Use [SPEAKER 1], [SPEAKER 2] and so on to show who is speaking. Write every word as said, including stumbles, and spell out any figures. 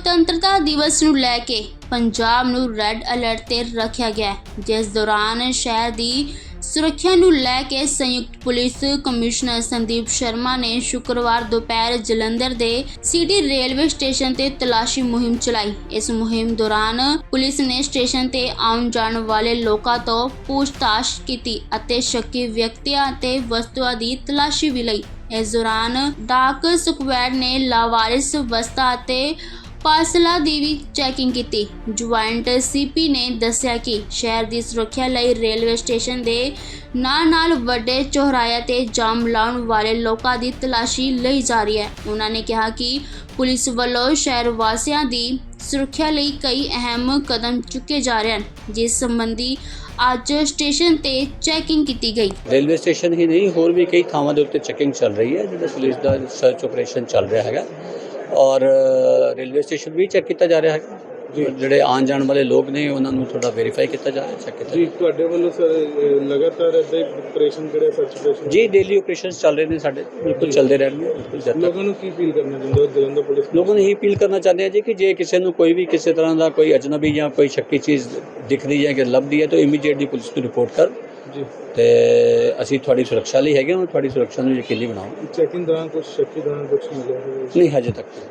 [SPEAKER 1] ਸੁਤੰਤਰਤਾ ਦਿਵਸ ਨੂੰ ਲੈ ਕੇ ਪੰਜਾਬ ਨੂੰ ਰੈੱਡ ਅਲਰਟ ਤੇ ਰੱਖਿਆ ਗਿਆ ਹੈ, ਜਿਸ ਦੌਰਾਨ ਸ਼ਹਿਰ ਦੀ ਸੁਰੱਖਿਆ ਨੂੰ ਲੈ ਕੇ ਸੰਯੁਕਤ ਪੁਲਿਸ ਕਮਿਸ਼ਨਰ ਸੰਦੀਪ ਸ਼ਰਮਾ ਨੇ ਸ਼ੁੱਕਰਵਾਰ ਦੁਪਹਿਰ ਜਲੰਧਰ ਦੇ ਸਿਟੀ ਰੇਲਵੇ ਸਟੇਸ਼ਨ ਤੇ ਤਲਾਸ਼ੀ ਮੁਹਿੰਮ ਚਲਾਈ। ਇਸ ਮੁਹਿੰਮ ਦੌਰਾਨ ਪੁਲਿਸ ਨੇ ਸਟੇਸ਼ਨ ਤੇ ਆਉਣ ਜਾਣ ਵਾਲੇ ਲੋਕਾਂ ਤੋਂ ਪੁੱਛਤਾਛ ਕੀਤੀ ਅਤੇ ਸ਼ੱਕੀ ਵਿਅਕਤੀਆਂ ਅਤੇ ਵਸਤੂਆਂ ਦੀ ਤਲਾਸ਼ੀ ਵੀ ਲਈ। ਇਸ ਦੌਰਾਨ ਡਾਕ ਸਕੁਐਡ ਨੇ ਲਾਵਾਰਿਸ ਵਸਤਾਂ ਅਤੇ ਪਾਰਸਲਾਂ ਦੀ ਵੀ ਚੈਕਿੰਗ ਕੀਤੀ। ਜੁਆਇੰਟ ਸੀਪੀ ਨੇ ਦੱਸਿਆ ਕਿ ਸ਼ਹਿਰ ਦੀ ਸੁਰੱਖਿਆ ਲਈ ਰੇਲਵੇ ਸਟੇਸ਼ਨ ਦੇ ਨਾਲ-ਨਾਲ ਵੱਡੇ ਚੌਰਾਹਿਆਂ ਤੇ ਜਾਮ ਲਾਉਣ ਵਾਲੇ ਲੋਕਾਂ ਦੀ ਤਲਾਸ਼ੀ ਲਈ ਜਾ ਰਹੀ ਹੈ। ਉਹਨਾਂ ਨੇ ਕਿਹਾ ਕਿ ਪੁਲਿਸ ਵੱਲੋਂ ਸ਼ਹਿਰ ਵਾਸੀਆਂ ਦੀ ਸੁਰੱਖਿਆ ਲਈ ਕਈ ਅਹਿਮ ਕਦਮ ਚੁੱਕੇ ਜਾ ਰਹੇ ਹਨ, ਜਿਸ ਸੰਬੰਧੀ ਅੱਜ ਸਟੇਸ਼ਨ ਤੇ ਚੈਕਿੰਗ ਕੀਤੀ ਗਈ।
[SPEAKER 2] ਰੇਲਵੇ ਸਟੇਸ਼ਨ ਹੀ ਨਹੀਂ, ਹੋਰ ਵੀ ਕਈ ਥਾਵਾਂ ਦੇ ਉੱਤੇ ਚੈਕਿੰਗ ਚੱਲ ਰਹੀ ਹੈ, ਜਿਹਦਾ ਪੁਲਿਸ ਦਾ ਸਰਚ ਆਪਰੇਸ਼ਨ ਚੱਲ ਰਿਹਾ ਹੈਗਾ ਔਰ ਰੇਲਵੇ ਸਟੇਸ਼ਨ ਵੀ ਚੈੱਕ ਕੀਤਾ ਜਾ ਰਿਹਾ ਹੈ। ਜਿਹੜੇ ਆਉਣ ਜਾਣ ਵਾਲੇ ਲੋਕ ਨੇ ਉਹਨਾਂ ਨੂੰ ਥੋੜਾ ਵੈਰੀਫਾਈ ਕੀਤਾ ਜਾ ਰਿਹਾ, ਚੈੱਕ ਕੀਤਾ
[SPEAKER 3] ਜੀ। ਤੁਹਾਡੇ ਵੱਲੋਂ ਸਰ ਲਗਾਤਾਰ ਇੱਦਾਂ ਆਪਰੇਸ਼ਨ ਕਿਹੜੇ ਸਰਚ ਆਪਰੇਸ਼ਨ
[SPEAKER 2] ਜੀ ਡੇਲੀ ਆਪਰੇਸ਼ਨਸ ਚੱਲ ਰਹੇ ਨੇ ਸਾਡੇ, ਬਿਲਕੁਲ ਚੱਲਦੇ ਰਹਿਣਗੇ। ਬਿਲਕੁਲ ਜਦ ਤੱਕ
[SPEAKER 3] ਲੋਕਾਂ ਨੂੰ ਕੀ ਅਪੀਲ ਕਰਨਾ ਚਾਹੁੰਦੇ ਹੋ ਜਲੰਧਰ ਪੁਲਿਸ ਨੂੰ?
[SPEAKER 2] ਲੋਕਾਂ ਨੂੰ ਇਹ ਅਪੀਲ ਕਰਨਾ ਚਾਹੁੰਦੇ ਹਾਂ ਜੀ ਕਿ ਜੇ ਕਿਸੇ ਨੂੰ ਕੋਈ ਵੀ ਕਿਸੇ ਤਰ੍ਹਾਂ ਦਾ ਕੋਈ ਅਜਨਬੀ ਜਾਂ ਕੋਈ ਸ਼ੱਕੀ ਚੀਜ਼ ਦਿਖਦੀ ਹੈ ਕਿ ਲੱਭਦੀ ਹੈ ਤਾਂ ਇਮੀਡੀਏਟਲੀ ਪੁਲਿਸ ਨੂੰ ਰਿਪੋਰਟ ਕਰ
[SPEAKER 3] ਜੀ,
[SPEAKER 2] ਤੇ ਅਸੀਂ ਤੁਹਾਡੀ ਸੁਰੱਖਿਆ ਲਈ ਹੈਗੇ ਹਾਂ, ਤੁਹਾਡੀ ਸੁਰੱਖਿਆ ਨੂੰ ਯਕੀਨੀ ਬਣਾਓ।
[SPEAKER 3] ਚੈਕਿੰਗ ਦੌਰਾਨ ਕੁਝ ਸ਼ੱਕੀ ਦੌਰਾਨ ਕੁਝ ਮਿਲਿਆ ਹੋਵੇ?
[SPEAKER 2] ਨਹੀਂ, ਹਜੇ ਤੱਕ